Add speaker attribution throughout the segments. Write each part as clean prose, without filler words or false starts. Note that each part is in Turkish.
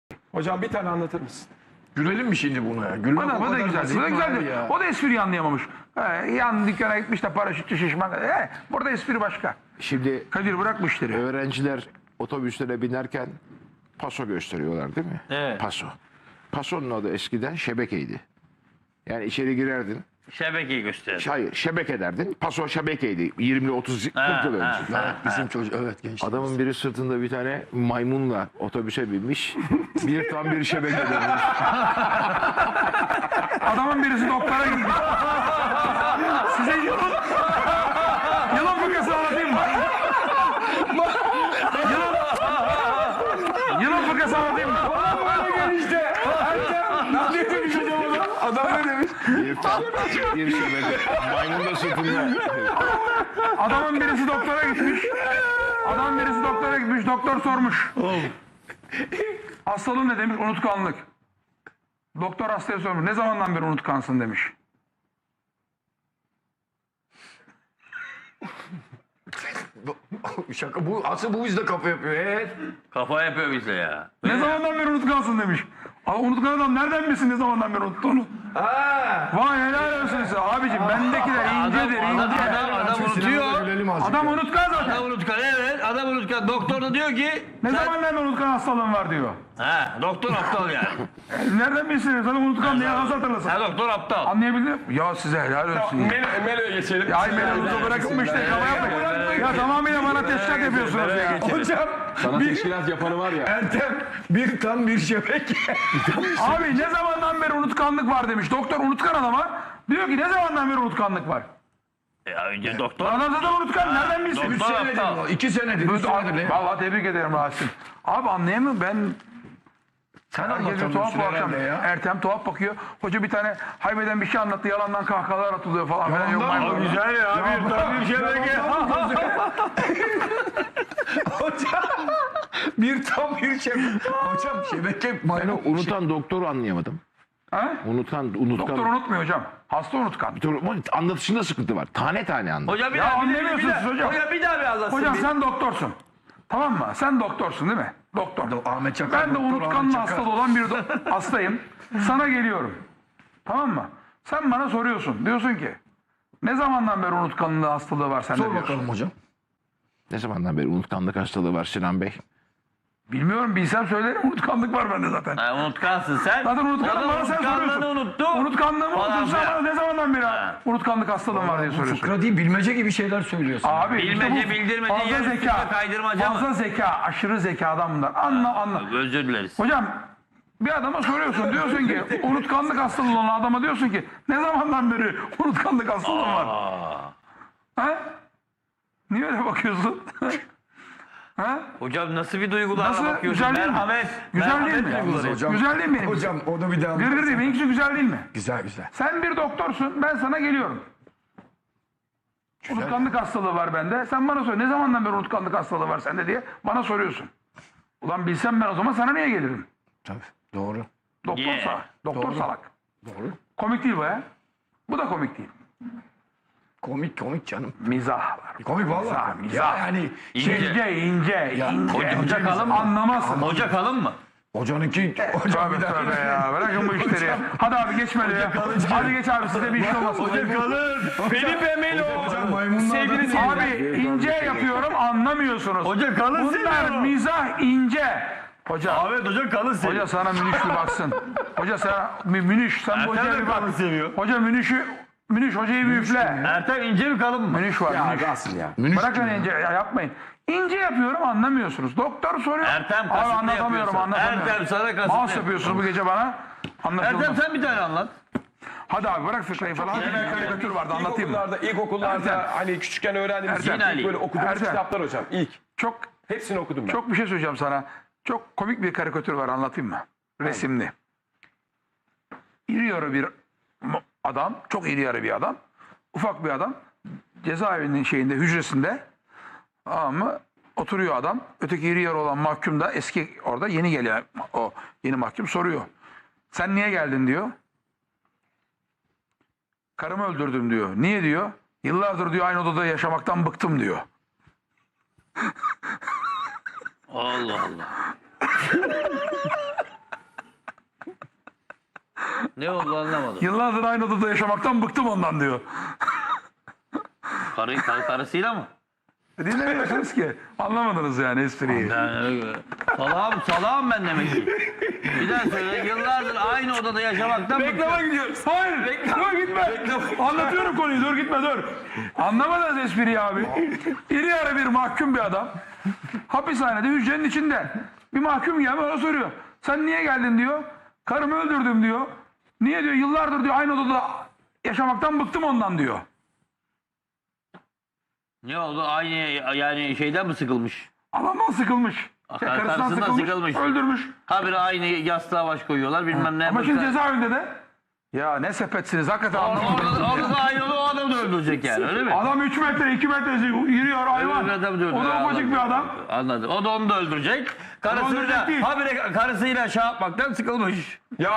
Speaker 1: Hocam bir tane anlatır mısın?
Speaker 2: Gülelim mi şimdi buna ya? Gülmek
Speaker 3: Bu da güzeldi. Bu da güzeldi.
Speaker 2: ya.
Speaker 3: O da espriyi anlayamamış. Yan dükkana gitmiş de paraşütçü şişman. Burada espri başka.
Speaker 2: Şimdi
Speaker 3: Kadir bırak bu işleri.
Speaker 2: öğrenciler otobüslere binerken paso gösteriyorlar değil mi?
Speaker 4: Evet.
Speaker 2: Paso. Pasonun adı eskiden şebekeydi. Yani içeri girerdin.
Speaker 4: Şebekeyi göster.
Speaker 2: Hayır, şebeke derdin. Paso şebekeydi. 20 30 40 yıl önce.
Speaker 1: Bizim çocuk evet genç.
Speaker 2: Adamın biri sırtında bir tane maymunla otobüse binmiş. Bir tam bir şebeke dönmüş.
Speaker 3: Adamın birisi doktora gitmiş. Size yılan fıkrası anlatayım mı? Yılan fıkrası anlatayım mı?
Speaker 1: Adam ne demiş?
Speaker 2: Bir şebeke. Maymun da sırtında.
Speaker 3: Adamın birisi doktora gitmiş. Doktor sormuş. Hastalığın ne demiş? Unutkanlık. Doktor hastaya sormuş. Ne zamandan beri unutkansın demiş.
Speaker 2: Şaka bu. Asıl bu bizde kafa yapıyor. Evet.
Speaker 4: Kafa yapıyor bize ya.
Speaker 3: Ne zamandan beri unutkansın demiş. Ama unutkan adam nereden bilsin ne zamandan beri unuttuğunu? Vay helal olsun size. Abicim bendekiler incedir ince.
Speaker 4: Adam unutuyor.
Speaker 1: Gülelim azıcık.
Speaker 3: Adam unutkan zaten.
Speaker 4: Adam unutkan, evet. Adam unutkan. Doktor da diyor ki...
Speaker 3: Ne zamandan beri unutkan hastalığın var diyor.
Speaker 4: Ha, doktor aptal yani.
Speaker 3: Nereden bilsin? Zaten unutkan diye nasıl hatırlasın?
Speaker 4: Ha, doktor aptal.
Speaker 3: Anlayabildin mi? Ya size helal olsun. Ya.
Speaker 1: Melo'ya geçelim.
Speaker 3: Ya Mevlut'u bırakın bu işte kafa yapmayın. Ya tamamıyla bana teşkilat yapıyorsunuz ya.
Speaker 1: Hocam
Speaker 5: Sana teşkilat yapanı var ya.
Speaker 1: Ertem bir tam bir şebeke.
Speaker 3: Abi ne zamandan beri unutkanlık var demiş. Doktor unutkan adama diyor ki ne zamandan beri unutkanlık var?
Speaker 4: Ya önce doktor...
Speaker 3: Adam zaten unutkan nereden bilsin?
Speaker 4: Doktor aptal.
Speaker 2: 2 senedir. 3 senedir.
Speaker 3: Vallahi tebrik ederim Rasim. Abi anlayamıyorum ben.
Speaker 1: Sen
Speaker 3: Herkes bir tuhaf bu akşam.
Speaker 1: ya.
Speaker 3: Ertem tuhaf bakıyor. Hoca bir tane haybeden bir şey anlattı. Yalandan kahkahalar atılıyor falan. Falan. Yok,
Speaker 1: Yalandan mı?
Speaker 3: güzel ya. Bir tam bir şebeke.
Speaker 1: Hocam bir tam bir şebeke. Hocam şebeke maymun.
Speaker 2: Unutan doktoru anlayamadım.
Speaker 3: Ha?
Speaker 2: Unutkan.
Speaker 3: Doktor unutmuyor hocam. Hasta unutkan.
Speaker 2: Anlatışında sıkıntı var. Tane tane anlat.
Speaker 4: Hocam bir
Speaker 3: Ya
Speaker 4: daha,
Speaker 3: anlamıyorsunuz hocam.
Speaker 4: Hocam bir daha bir anlatsın.
Speaker 3: Hocam
Speaker 4: bir.
Speaker 3: sen doktorsun. Tamam mı? Sen doktorsun değil mi? Doktor.
Speaker 1: Ahmet Çakar.
Speaker 3: Ben de
Speaker 1: Doktor
Speaker 3: unutkanlığı
Speaker 1: Ahmet Çakar.
Speaker 3: hastalı olan bir hastayım. Sana geliyorum. Tamam mı? Sen bana soruyorsun. Diyorsun ki ne zamandan beri unutkanlığı hastalığı var sende
Speaker 1: Sor
Speaker 3: diyorsun.
Speaker 1: bakalım hocam.
Speaker 2: Ne zamandan beri unutkanlık hastalığı var Sinan Bey?
Speaker 3: Bilmiyorum bilsem söylerim unutkanlık var bende zaten.
Speaker 4: Ha, unutkansın sen.
Speaker 3: Zaten unutkanlığı bana sen soruyorsun.
Speaker 4: Unutkanlığını unuttu.
Speaker 3: Unutkanlığımı
Speaker 4: Falan
Speaker 3: unutursan
Speaker 4: filan.
Speaker 3: bana ne zamandan beri unutkanlık hastalığın var diye
Speaker 1: Bu
Speaker 3: soruyorsun.
Speaker 1: fıkra değil bilmece gibi şeyler söylüyorsun.
Speaker 3: Abi
Speaker 4: Bilmece,
Speaker 3: işte bu
Speaker 4: bildirmece,
Speaker 3: fazla
Speaker 4: yarı
Speaker 3: zeka,
Speaker 4: üstüne kaydırmaca mı?
Speaker 3: fazla zeka, aşırı zekadan bunlar. Anla.
Speaker 4: Özür dileriz.
Speaker 3: Hocam bir adama soruyorsun diyorsun ki unutkanlık hastalığı olan adama diyorsun ki ne zamandan beri unutkanlık hastalığın var? Ha? Niye öyle bakıyorsun? Ha?
Speaker 4: Hocam nasıl bir duygularla
Speaker 3: Nasıl?
Speaker 4: bakıyorsun?
Speaker 3: Güzel değil mi?
Speaker 4: Merhamet.
Speaker 3: Güzel değil mi?
Speaker 4: merhamet duyguları.
Speaker 1: Hocam,
Speaker 3: Güzel değil mi benim?
Speaker 1: Hocam onu bir daha
Speaker 3: Gırgır değil mi? İkisi güzel değil mi?
Speaker 1: Güzel güzel.
Speaker 3: Sen bir doktorsun ben sana geliyorum. Unutkanlık hastalığı var bende. Sen bana sor ne zamandan beri unutkanlık hastalığı var sende diye bana soruyorsun. Ulan bilsem ben o zaman sana niye gelirim?
Speaker 1: Tabii doğru.
Speaker 3: Doktor
Speaker 4: Yeah.
Speaker 3: salak. Doktor salak.
Speaker 1: Doğru.
Speaker 3: Komik değil bu ya. Bu da komik değil.
Speaker 1: Komik canım.
Speaker 3: Mizah var.
Speaker 1: Komik vallahi.
Speaker 3: Mizah.
Speaker 1: Ya yani
Speaker 3: İnce.
Speaker 4: Hoca kalın mı?
Speaker 3: Anlamazsın.
Speaker 4: Hoca kalın mı?
Speaker 1: hocanınki hocam bir
Speaker 3: Tövbe
Speaker 1: daha.
Speaker 3: tövbe ya. Bırakın bu işleri ya. Hadi abi geç böyle ya. Hadi geç abi size bir iş olmasın.
Speaker 4: kalın. Felipe Melo.
Speaker 1: Hocam maymunlar
Speaker 4: Sevgili
Speaker 3: Abi ince yapıyorum anlamıyorsunuz.
Speaker 4: Hoca kalın
Speaker 3: Bunlar
Speaker 4: seviyor.
Speaker 3: mizah ince. Hoca.
Speaker 4: Ahmet hoca kalın seviyor.
Speaker 3: Hoca sana Münüş bir baksın. Hoca sana Münüş sen bu hocaya bir bak.
Speaker 4: kalın seviyor.
Speaker 3: Hoca Münüş hocayı bir üfle.
Speaker 4: Ertem ince mi kalın mı?
Speaker 3: Münüş var Münüş.
Speaker 5: Nasıl ya?
Speaker 3: Bırakın ince ya yapmayın. İnce yapıyorum anlamıyorsunuz. Doktor soruyor.
Speaker 4: Ertem
Speaker 3: Abi
Speaker 4: kasıtlı
Speaker 3: anlatamıyorum
Speaker 4: yapıyorsun.
Speaker 3: anlatamıyorum.
Speaker 4: Ertem sana kasıtlı
Speaker 3: Mouse yapıyorsunuz bu gece bana. Anlaşılmaz.
Speaker 4: Ertem sen bir tane anlat.
Speaker 3: Hadi abi bırak fıkrayı falan. Bir karikatür vardı anlatayım mı?
Speaker 1: İlkokullarda
Speaker 3: Ertem.
Speaker 1: hani küçükken öğrendiğimiz
Speaker 4: Ertem.
Speaker 1: ilk böyle okuduğumuz
Speaker 3: Ertem.
Speaker 1: kitaplar hocam. İlk.
Speaker 3: Çok
Speaker 1: Hepsini okudum ben.
Speaker 3: çok bir şey söyleyeceğim sana. Çok komik bir karikatür var anlatayım mı? Resimli. İri yarı bir adam, çok iri yarı bir adam. Ufak bir adam. Cezaevinin hücresinde ama oturuyor adam. Öteki iri yarı olan mahkum da eski orada yeni gelen o yeni mahkum soruyor. Sen niye geldin diyor. Karımı öldürdüm diyor. Niye diyor? Yıllardır diyor aynı odada yaşamaktan bıktım diyor.
Speaker 4: Allah Allah. Ne oldu anlamadım.
Speaker 3: Yıllardır aynı odada yaşamaktan bıktım ondan diyor.
Speaker 4: Karısıyla mı?
Speaker 3: Dinlemiyorsunuz ki. Anlamadınız yani espriyi.
Speaker 4: Salağım ben demek ki. Bir daha söyle. Yıllardır aynı odada yaşamaktan
Speaker 3: Reklama gidiyoruz. Hayır. Dur gitme. Anlatıyorum konuyu. Dur gitme dur. Anlamadınız espriyi abi. İri yarı bir mahkum bir adam. Hapishanede hücrenin içinde. Bir mahkum gelmiş ona soruyor. Sen niye geldin diyor. Karımı öldürdüm diyor. Niye diyor. Yıllardır diyor aynı odada yaşamaktan bıktım ondan diyor.
Speaker 4: Ne oldu? Aynı yani şeyden mi sıkılmış?
Speaker 3: Adamdan sıkılmış.
Speaker 4: Karısından sıkılmış.
Speaker 3: Öldürmüş.
Speaker 4: Habire aynı yastığa baş koyuyorlar bilmem ne.
Speaker 3: Ama şimdi cezaevinde de. Ya ne sepetsiniz hakikaten anlamadım.
Speaker 4: Orada da aynı o adamı da öldürecek yani öyle mi?
Speaker 3: Adam 3 metre 2 metre yürüyor hayvan. O da ufacık bir adam.
Speaker 4: Anladım. O da onu da öldürecek. Karısıyla,
Speaker 3: değil.
Speaker 4: habire karısıyla şey yapmaktan sıkılmış.
Speaker 5: Ya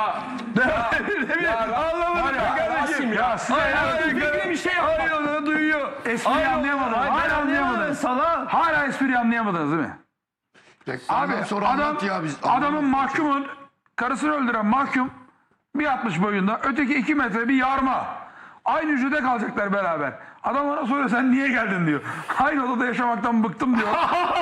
Speaker 3: Anlamadım kardeşim. Ya size
Speaker 4: Bir şey yapıyor, duyuyor.
Speaker 3: espriyi anlayamadınız. Hala anlayamadınız. Hala espriyi anlayamadınız değil mi? Abi adamın mahkumun karısını öldüren mahkum 1.60 boyunda öteki 2 metre bir yarma. Aynı hücrede kalacaklar beraber. Adam ona soruyor sen niye geldin diyor. Aynı odada yaşamaktan bıktım diyor.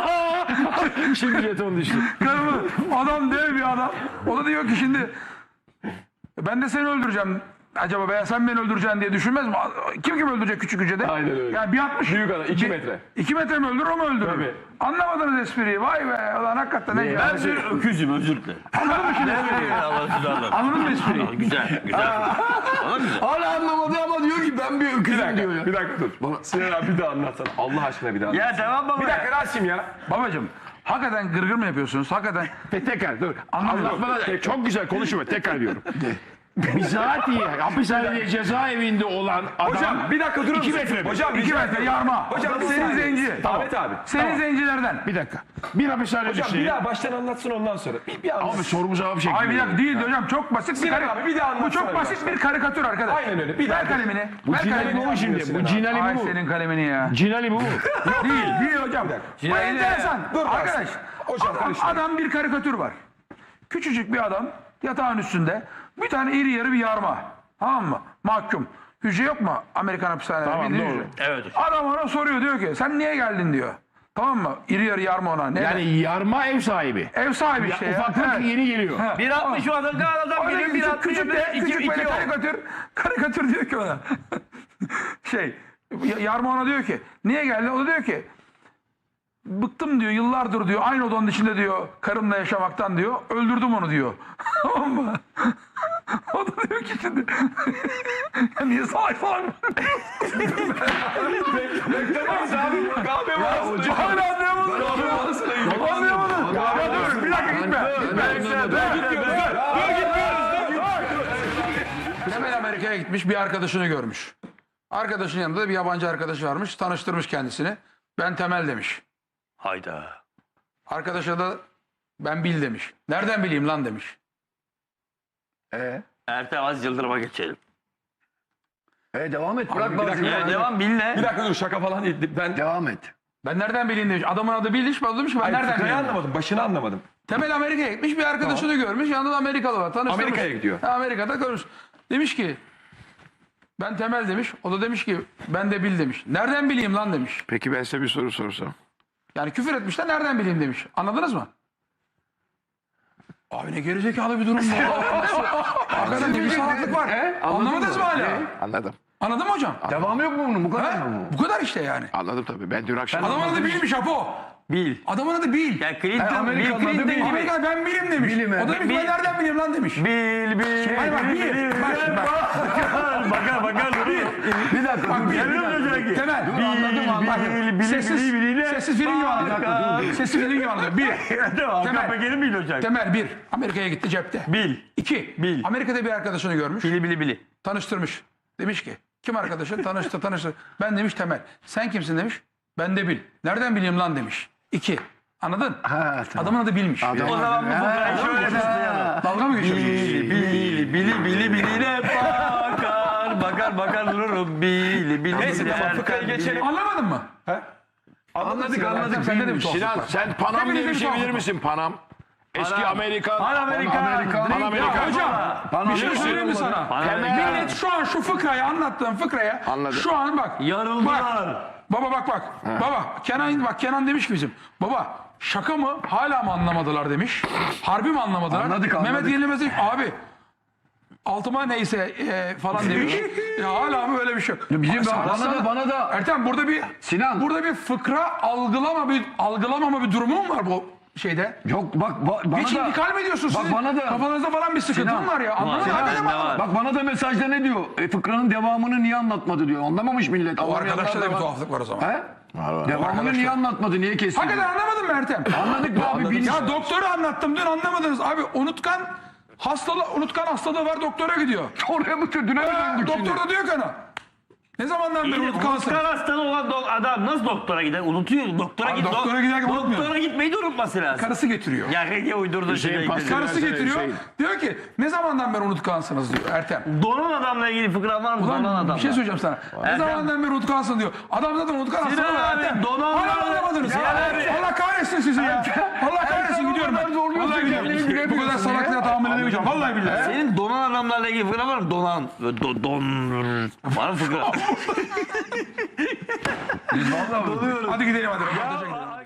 Speaker 5: şimdi jeton düştü.
Speaker 3: Karımı adam dev bir adam. O da diyor ki şimdi ben de seni öldüreceğim. Acaba veya sen beni öldüreceksin diye düşünmez mi? Kim öldürecek küçük hücrede?
Speaker 5: Aynen öyle.
Speaker 3: Yani 1.60.
Speaker 5: Büyük adam 2 metre.
Speaker 3: 2 metre mi öldürür o mu öldürür?
Speaker 5: Tabii.
Speaker 3: Anlamadınız espriyi. Vay be. Ulan hakikaten ne
Speaker 4: Ben bir öküzüm özür dilerim.
Speaker 3: Anladın mı şimdi espriyi? Anladın mı espriyi?
Speaker 4: Güzel, güzel. Ona güzel.
Speaker 2: Hala anlamadı ama diyor ki ben bir öküzüm diyor ya.
Speaker 5: Bir dakika dur. Sinan abi bir daha anlatsana. Allah aşkına bir daha anlat.
Speaker 4: Ya devam baba.
Speaker 5: Bir dakika Rasim ya.
Speaker 3: Babacım hakikaten gırgır mı yapıyorsunuz? Hakikaten
Speaker 2: Tekrar dur.
Speaker 3: Anlamıyorum.
Speaker 2: Anlatmada çok güzel konuşma. Tekrar diyorum. Bizatihi hapishanede cezaevinde olan adam
Speaker 5: Hocam bir dakika durur
Speaker 2: 2
Speaker 5: musun?
Speaker 2: metre mi?
Speaker 5: Hocam
Speaker 3: 2 metre yarma.
Speaker 5: Hocam bir
Speaker 3: senin
Speaker 5: saniye.
Speaker 3: zenci.
Speaker 5: Ahmet abi.
Speaker 3: Senin zencilerden.
Speaker 2: Bir dakika. Bir hapishane
Speaker 5: Hocam bir
Speaker 2: düşünelim.
Speaker 5: daha baştan anlatsın ondan sonra. Bir anlat.
Speaker 2: Abi sorumu cevap şeklinde.
Speaker 3: Ay bir dakika değil hocam çok basit bir
Speaker 5: Sinan abi, bir daha
Speaker 3: Bu
Speaker 5: anlatsana
Speaker 3: çok
Speaker 5: bir
Speaker 3: basit
Speaker 5: baştan.
Speaker 3: bir karikatür arkadaş.
Speaker 5: Aynen öyle. Bir
Speaker 3: Ver
Speaker 5: daha.
Speaker 3: kalemini.
Speaker 2: Bu
Speaker 3: Ver
Speaker 2: Cinali
Speaker 3: kalemini.
Speaker 2: bu mu şimdi? Bu Cinali
Speaker 3: Ay
Speaker 2: bu mu?
Speaker 3: senin kalemini ya.
Speaker 2: Cinali bu mu?
Speaker 3: Değil hocam. Bu enteresan.
Speaker 5: Dur
Speaker 3: Arkadaş.
Speaker 5: Hocam karıştırma.
Speaker 3: Adam bir karikatür var. Küçücük bir adam yatağın üstünde bir tane iri yarı bir yarma. Tamam mı? Mahkum. Hücre yok mu Amerikan hapishanelerinde?
Speaker 2: Tamam,
Speaker 3: Bildiğin
Speaker 2: doğru.
Speaker 3: hücre.
Speaker 4: Evet hocam.
Speaker 3: Adam ona soruyor diyor ki sen niye geldin diyor. Tamam mı? İri yarı yarma ona. Ne?
Speaker 2: Yani yarma ev sahibi.
Speaker 3: Ev sahibi işte ya.
Speaker 2: Ufaklık
Speaker 3: Evet.
Speaker 2: yeni geliyor.
Speaker 3: Evet.
Speaker 4: 1.60 şu adam adam
Speaker 3: Orada
Speaker 4: geliyor
Speaker 3: küçük,
Speaker 4: 1.60
Speaker 3: küçük de küçük böyle
Speaker 4: iki
Speaker 3: karikatür diyor ki ona. Yarma ona diyor ki niye geldin? O da diyor ki bıktım diyor yıllardır diyor aynı odanın içinde diyor karımla yaşamaktan diyor öldürdüm onu diyor. Tamam mı? O da diyor ki şimdi ya niye salak falan
Speaker 5: Beklemeyiz abi. Kahve var.
Speaker 3: hala anlayamadın. Anlayamadın. Ya dur bir dakika gitme. Temel Amerika'ya gitmiş bir arkadaşını görmüş. Arkadaşın yanında da bir yabancı arkadaşı varmış. Tanıştırmış kendisini. Ben Temel demiş.
Speaker 4: Hayda.
Speaker 3: Arkadaşa da ben Bil demiş. Nereden bileyim lan demiş.
Speaker 4: Ertem az Yıldırım'a geçelim.
Speaker 2: Devam et. Bırak
Speaker 4: Devam bil ne?
Speaker 5: Bir dakika dur şaka falan değil. Ben
Speaker 2: Devam et.
Speaker 3: Ben nereden bileyim demiş. Adamın adı Bil demiş. Ben demiş ki ben nereden
Speaker 5: fıkrayı
Speaker 3: bileyim.
Speaker 5: anlamadım. Başını anlamadım.
Speaker 3: Temel Amerika'ya gitmiş bir arkadaşını görmüş. Yanında da Amerikalı var. Tanıştırmış.
Speaker 5: Amerika'ya gidiyor.
Speaker 3: Ha, Amerika'da görmüş. Demiş ki ben Temel demiş. O da demiş ki ben de Bil demiş. Nereden bileyim lan demiş.
Speaker 2: Peki ben size bir soru sorsam.
Speaker 3: Yani küfür etmişler nereden bileyim demiş. Anladınız mı? Abi ne gerizekalı bir durum bu. Hakikaten ne bir salaklık var. Anlamadınız mı hala?
Speaker 2: Anladım.
Speaker 3: Anladın mı hocam?
Speaker 2: Devamı yok mu bunun? Bu kadar mı?
Speaker 3: Bu kadar işte yani.
Speaker 2: Anladım tabii. Ben dün akşam...
Speaker 3: Adamın adı Bil'miş Apo.
Speaker 4: Bil.
Speaker 3: Adamın adı Bil.
Speaker 4: Ya Clinton, Bill Clinton gibi.
Speaker 3: Amerika ben bilim demiş. O da demiş ben nereden bileyim lan demiş.
Speaker 4: Bil.
Speaker 3: Hayır bak Bil. Bak şimdi bak.
Speaker 4: Bakar.
Speaker 3: Bir dakika. Bak Bil. Temel.
Speaker 4: Bil.
Speaker 3: Sessiz film gibi anlatıyor. Sessiz film gibi anlatıyor. Bir.
Speaker 4: Hakan Peker'in bil hocam.
Speaker 3: Temel bir. Amerika'ya gitti cepte.
Speaker 4: Bil.
Speaker 3: İki.
Speaker 4: Bil.
Speaker 3: Amerika'da bir arkadaşını görmüş.
Speaker 4: Bili.
Speaker 3: Tanıştırmış. Demiş ki kim arkadaşın? Tanıştı. Ben demiş Temel. Sen kimsin demiş. Ben de Bil. Nereden bileyim lan demiş. İki. Anladın?
Speaker 2: Ha, tamam.
Speaker 3: Adamın adı Bil'miş.
Speaker 4: O zaman bu fıkrayı şöyle başlayalım.
Speaker 3: Dalga mı geçiyorsun?
Speaker 4: Biline bakar dururum. Bili.
Speaker 5: Neyse tamam fıkrayı geçelim.
Speaker 3: Anlamadın mı?
Speaker 5: Anladık.
Speaker 3: Sende de bir tuhaflık
Speaker 2: Sinan
Speaker 3: var.
Speaker 2: sen Panam
Speaker 3: Hepinizde
Speaker 2: diye bir
Speaker 3: bir
Speaker 2: şey bilir
Speaker 3: tuhaflık
Speaker 2: misin? Panam. Eski Amerikan.
Speaker 4: Pan-Amerikan.
Speaker 3: Ya hocam bir şey söyleyeyim mi sana?
Speaker 4: Pan-Amerikan.
Speaker 3: Millet şu an şu fıkrayı anlattığım fıkraya
Speaker 2: Anladım.
Speaker 3: şu an bak.
Speaker 4: Yarıldılar.
Speaker 3: Baba bak. Baba Kenan demiş ki bizim. Baba şaka mı? Hala mı anlamadılar demiş. Harbi mi anlamadılar?
Speaker 1: Anladık.
Speaker 3: Mehmet Yenilmez demiş abi altıma neyse falan demiş. Ya hala mı öyle bir şey yok.
Speaker 1: Bizim
Speaker 3: Sana-
Speaker 1: bana da
Speaker 3: Ertem burada bir
Speaker 1: Sinan.
Speaker 3: burada bir fıkra algılamama bir durumu mu var bu şeyde?
Speaker 1: yok bana
Speaker 3: Hiç
Speaker 1: da
Speaker 3: intikal mi ediyorsun
Speaker 1: bak
Speaker 3: sizin?
Speaker 1: bana da
Speaker 3: Kafanızda falan bir sıkıntı
Speaker 1: Sinan.
Speaker 3: mı var ya? Anlamadım.
Speaker 4: Sinan,
Speaker 3: Hakikaten
Speaker 4: ne
Speaker 3: anlamadım.
Speaker 4: var?
Speaker 1: bak bana da mesajda ne diyor? Fıkranın devamını niye anlatmadı diyor. Anlamamış millet.
Speaker 3: O arkadaşta da bir
Speaker 1: Var.
Speaker 3: tuhaflık var o zaman.
Speaker 1: He? Devamını niye anlatmadı? Niye kesti?
Speaker 3: Hakikaten anlamadın mı Ertem?
Speaker 1: Anladık be abi.
Speaker 3: Ya doktoru anlattım dün anlamadınız. Abi unutkan hastalığı var doktora gidiyor.
Speaker 1: Oraya mı düne mi döndük şimdi?
Speaker 3: Doktor da diyor ki ona. Ne zamandan beri unutkansın?
Speaker 4: Unutkan hastalığı olan adam nasıl doktora gider? Unutuyor. Doktora
Speaker 3: Abi doktora giderken unutmuyor.
Speaker 4: Doktora gitmeyi de unutması lazım.
Speaker 3: Karısı getiriyor.
Speaker 4: Ya ne uydurdu şimdi.
Speaker 3: Karısı getiriyor.
Speaker 2: Hüseyin.
Speaker 3: Diyor ki ne zamandan beri unutkansınız diyor Ertem.
Speaker 4: Donan adamla ilgili fıkra var mı? Donan
Speaker 3: Ulan
Speaker 4: adamla.
Speaker 3: bir şey söyleyeceğim sana. Ne
Speaker 4: Ertem.
Speaker 3: zamandan beri unutkansın diyor. Adam zaten unutkan
Speaker 4: Sinan
Speaker 3: hastalığı var
Speaker 4: abi,
Speaker 3: Ertem.
Speaker 4: donan
Speaker 3: Hala
Speaker 4: abi.
Speaker 3: anlamadınız ya.
Speaker 4: Sinan abi.
Speaker 3: Allah kahretsin sizi ya. Allah kahretsin gidiyorum ben. Vallahi gidiyorum. Bu kadar salaklığa tahammül edemeyeceğim. Vallahi billahi.
Speaker 4: Senin donan adamlarla ilgili fıkra var mı? Donan. Var mı fıkra?
Speaker 3: Hadi gidelim hadi.